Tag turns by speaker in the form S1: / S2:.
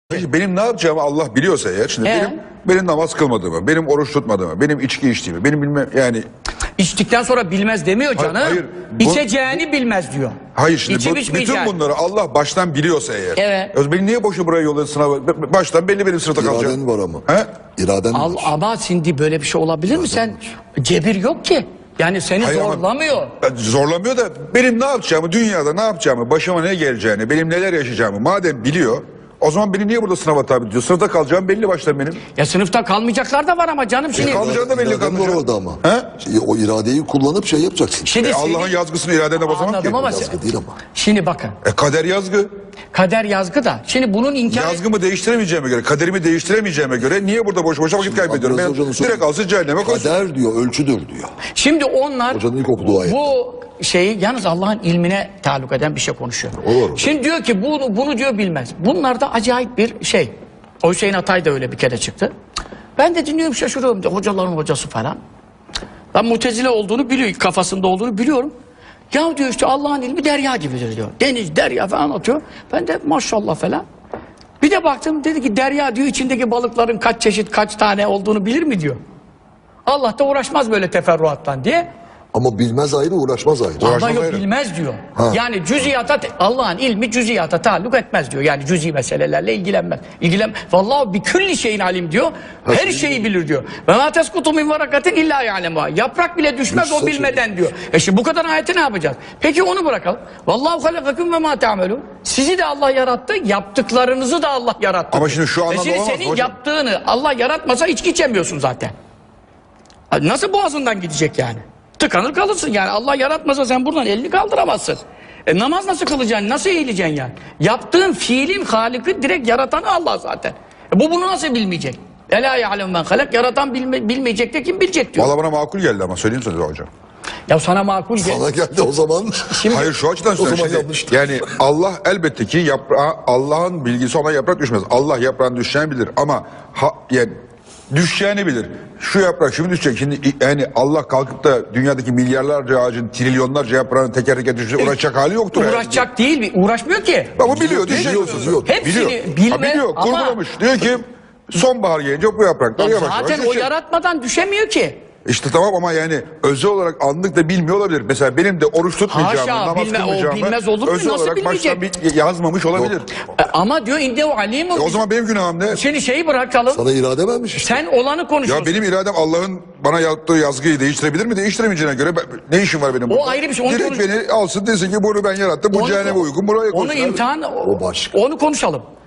S1: Benim ne yapacağımı Allah biliyorsa eğer, şimdi benim namaz kılmadığımı, benim oruç tutmadığımı, benim içki içtiğimi, benim bilmem yani...
S2: İçtikten sonra bilmez demiyor canım.
S1: Hayır,
S2: İçeceğini bilmez diyor.
S1: Hayır şimdi bütün bunları Allah baştan biliyorsa eğer.
S2: Evet.
S1: Beni niye boşu buraya yolladı sınava? Baştan belli benim sınıfta kalacağım.
S3: İraden var ama.
S1: He?
S3: İraden var.
S2: Ama şimdi böyle bir şey olabilir mi? Sen cebir yok ki. Yani seni
S1: Hayır ama-
S2: zorlamıyor.
S1: Zorlamıyor da benim ne yapacağımı, dünyada ne yapacağımı, başıma ne geleceğini, benim neler yaşayacağımı madem biliyor, o zaman beni niye burada sınava tabi tutuyor? Sınıfta kalacağım belli baştan benim.
S2: Ya sınıfta kalmayacaklar da var ama canım şimdi.
S1: Kalmayacağım da belli
S3: İraden var
S1: kalmayacak.
S3: orada ama.
S1: He?
S3: O iradeyi kullanıp şey yapacaksın.
S2: Şimdi
S1: Allah'ın yazgısını iradene basamam ki.
S2: Anladım ama
S3: Yazgı değil ama.
S2: şimdi bakın.
S1: Kader yazgı.
S2: Kader yazgı da. Şimdi bunun inkar...
S1: Yazgımı değiştiremeyeceğime göre, kaderimi değiştiremeyeceğime göre niye burada boş boşa vakit kaybediyorum?
S3: Abdülazı
S1: Ben
S3: Hoca'nın sözü-
S1: direkt alsın cehenneme koysun.
S3: Kader diyor, ölçüdür diyor.
S2: Şimdi onlar
S3: Hocanın ilk okuduğu ayet.
S2: bu şeyi yalnız Allah'ın ilmine taluk eden bir şey konuşuyor.
S3: Olur.
S2: Şimdi diyor ki bunu diyor bilmez. Bunlar da acayip bir şey. O Hüseyin Atay da öyle bir kere çıktı. Ben de dinliyorum şaşırıyorum diyor. Hocaların hocası falan. Ben Mutezile olduğunu biliyor, kafasında olduğunu biliyorum. Ya diyor işte Allah'ın ilmi derya gibidir diyor. Deniz, derya falan atıyor. Ben de maşallah falan. Bir de baktım dedi ki derya diyor içindeki balıkların kaç çeşit kaç tane olduğunu bilir mi diyor. Allah da uğraşmaz böyle teferruattan diye.
S3: Ama bilmez ayrı, uğraşmaz ayrı.
S2: Ama
S1: Uğraşmaz
S2: yok
S1: ayrı.
S2: bilmez diyor.
S3: Ha.
S2: Yani cüziyata Allah'ın ilmi cüziyata taalluk etmez diyor. Yani cüzi meselelerle ilgilenmez. Vallahi bir külli şeyin alim diyor. Her şeyi bilir diyor. Ve ma teskutu min varakatin illa ya'lemuha. Yaprak bile düşmez o bilmeden diyor. Şimdi bu kadar ayeti ne yapacağız? Peki onu bırakalım. Vallahu halakakum ve ma ta'melun. Sizi de Allah yarattı, yaptıklarınızı da Allah yarattı.
S1: Ama şimdi şu anlamda
S2: şimdi
S1: olamaz
S2: senin
S1: hocam.
S2: yaptığını Allah yaratmasa içki içemiyorsun zaten. Nasıl boğazından gidecek yani? Tıkanır kalırsın yani. Allah yaratmasa sen buradan elini kaldıramazsın. Namaz nasıl kılacaksın? Nasıl eğileceksin yani? Yaptığın fiilin haliki direkt yaratanı Allah zaten. Bu bunu nasıl bilmeyecek? Ela ya'lem men halak. Yaratan bilmeyecek de kim bilecek diyor.
S1: Valla bana makul geldi ama söyleyeyim sana hocam.
S2: Ya sana makul gel.
S3: Sana geldi o zaman.
S1: Hayır şu açıdan
S3: O zaman
S1: söylüyorum.
S3: yanlış.
S1: Yani Allah elbette ki Allah'ın bilgisi ona yaprak düşmez. Allah yaprağın düşeceğini bilir ama yani düşeceğini bilir. Şu yaprak şimdi düşecek. Şimdi yani Allah kalkıp da dünyadaki milyarlarca ağacın, trilyonlarca yaprağın teker teker düşecek uğraşacak hali yoktur.
S2: Uğraşacak değil, uğraşmıyor ki.
S1: Ama biliyor, düşecek.
S3: Biliyor.
S2: Hepsini
S1: Biliyor. Biliyor,
S2: ama-
S1: kurgulamış. Diyor ki sonbahar gelince bu yapraklar yavaş yavaş
S2: Zaten o
S1: düşecek.
S2: yaratmadan düşemiyor ki.
S1: İşte tamam ama yani özel olarak anlık da bilmiyor olabilir. Mesela benim de oruç tutmayacağımı,
S2: Haşa,
S1: namaz kılmayacağımı
S2: bilmez olur mu?
S1: özel
S2: Nasıl
S1: olarak baştan
S2: bilmeyecek?
S1: yazmamış olabilir.
S2: Ama diyor indehu alimun.
S1: O zaman benim günahım ne?
S2: Şimdi şeyi bırakalım.
S3: Sana irade vermiş işte.
S2: Sen olanı konuşuyorsun.
S1: Ya benim iradem Allah'ın bana yaptığı yazgıyı değiştirebilir mi? Değiştiremeyeceğine göre ne işim var benim burada?
S2: ayrı bir şey, onu
S1: Direkt
S2: konuş-
S1: beni alsın desin ki bunu ben yarattım. Bu
S2: Onu-
S1: cehenneme uygun. Buraya
S2: Onu
S1: koysun.
S2: imtihan,
S3: O başka.
S2: onu konuşalım.